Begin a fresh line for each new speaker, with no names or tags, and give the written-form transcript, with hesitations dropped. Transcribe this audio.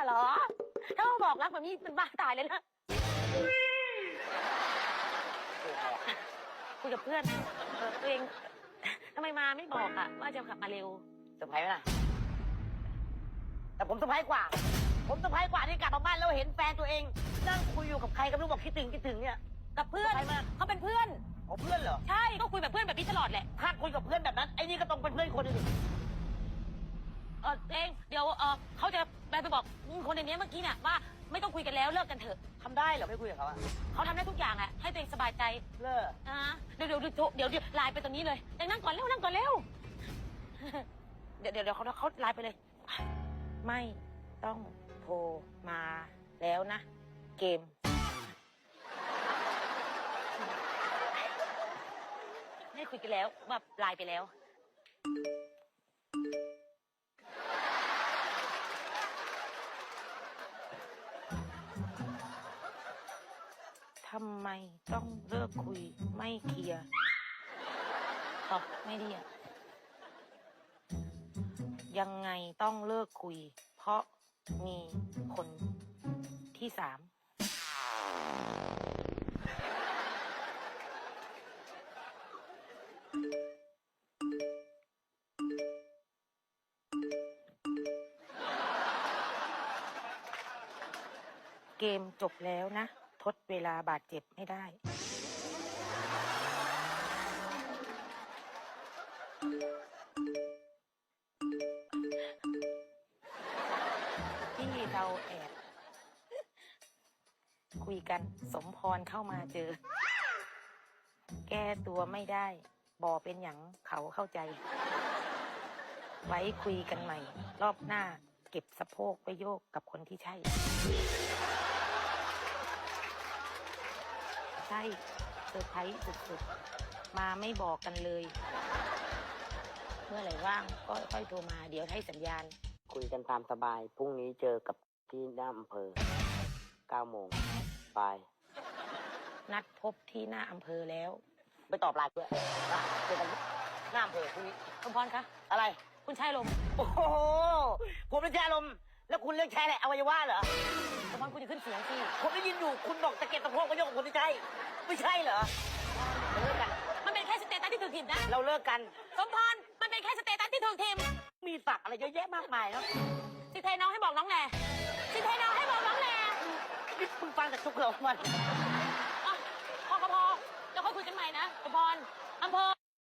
เหรอถ้ามาบอกรักแบบนี้เป็นบ้าตายเลยนะคุยกับเพื่อนตัวเองทำไมมาไม่บอกอะว่าจะกลับมาเร็ว
เซอร์ไพรส์ไหมล่ะแต่ผมเซอร์ไพรส์กว่า ผมเซอร์ไพรส์กว่าที่กลับมาบ้านแล้วเห็นแฟนตัวเองนั่งคุยอยู่กับใครก็ไม่รู้บอกคิดถึงเนี่ย
กับเพื่อนเขาเป็นเพื่อน
อ๋อเพื่อนเหรอ
ใช่ก็คุยแบบเพื่อนแบบนี้ตลอดแหละ
ถ้าคุยกับเพื่อนแบบนั้นไอ้นี่ก็ต้องเป็นเพื่อนคนหนึ่ง
เองเดี๋ยวเขาจะไปบอกคนในนี้เมื่อกี้เนี่ยว่าไม่ต้องคุยกันแล้วเลิกกันเถอะ
ทำได้เหรอไม่คุยกับเขาอะ
เขาทำได้ทุกอย่างแหละให้ตัวเองสบายใจ
เลิก
เดี๋ยวไลน์ไปตรงนี้เลยนั่งก่อนเร็วนั่งก่อนเร็วเดี๋ยวเขาไลน์ไปเลยไม่ต้องโทรมาแล้วนะเกมไม่คุยกันแล้วแบบไลน์ไปแล้วทำไมต้องเลิกคุยไม่เคลียร์ตอบไม่ดีอะยังไงต้องเลิกคุยเพราะมีคนที่สามเกมจบแล้วนะทดเวลาบาดเจ็บไม่ได้ที่เราแอบคุยกันสมพรเข้ามาเจอแก้ตัวไม่ได้บอเป็นอย่างเขาเข้าใจไว้คุยกันใหม่รอบหน้าเก็บสะโพกไปโยกกับคนที่ใช่ใช่เซอร์ไพรส์สุดๆมาไม่บอกกันเลยเมื่อไหร่ว่างก็ค่อยโทรมาเดี๋ยวให้สัญญาณ
คุยกันตามสบายพรุ่งนี้เจอกับที่หน้าอำเภอ9 โมงไป
นัดพบที่หน้าอำเภอแล้ว
ไปตอบไลน์ด้วยเจอกันหน้าอำเภอพรุ่งนี้
คุณพรคะ
อะไร
คุณใช่ลม
โอ้โหผมเป็นแช่ลมแล้วคุณเลือกแช่อะไรอวัยวะเหรอ
คุณพรคุณจะขึ้นเสียงสิ
ผมได้ยินอยู่คุณบอกจะเก็บสะโพกไปโยกกับคนที่ใช่ไม่ใช่เหรอเราเลิกกัน
มันเป็นแค่สเตตัสที่ถูกทิมนะ
เราเลิกกัน
สมพรมันเป็นแค่สเตตัสที่ถูกทิม
มีศักดิ์อะไรเยอะแยะมากมายครับ
สิเทน้องให้บอกน้องแน่สิเทน้องให้บอกน้องแน่
นี่มึงฟังจากทุกเรามัน
พอแล้วค่อยคุยกันใหม่นะสมพรอำเภอ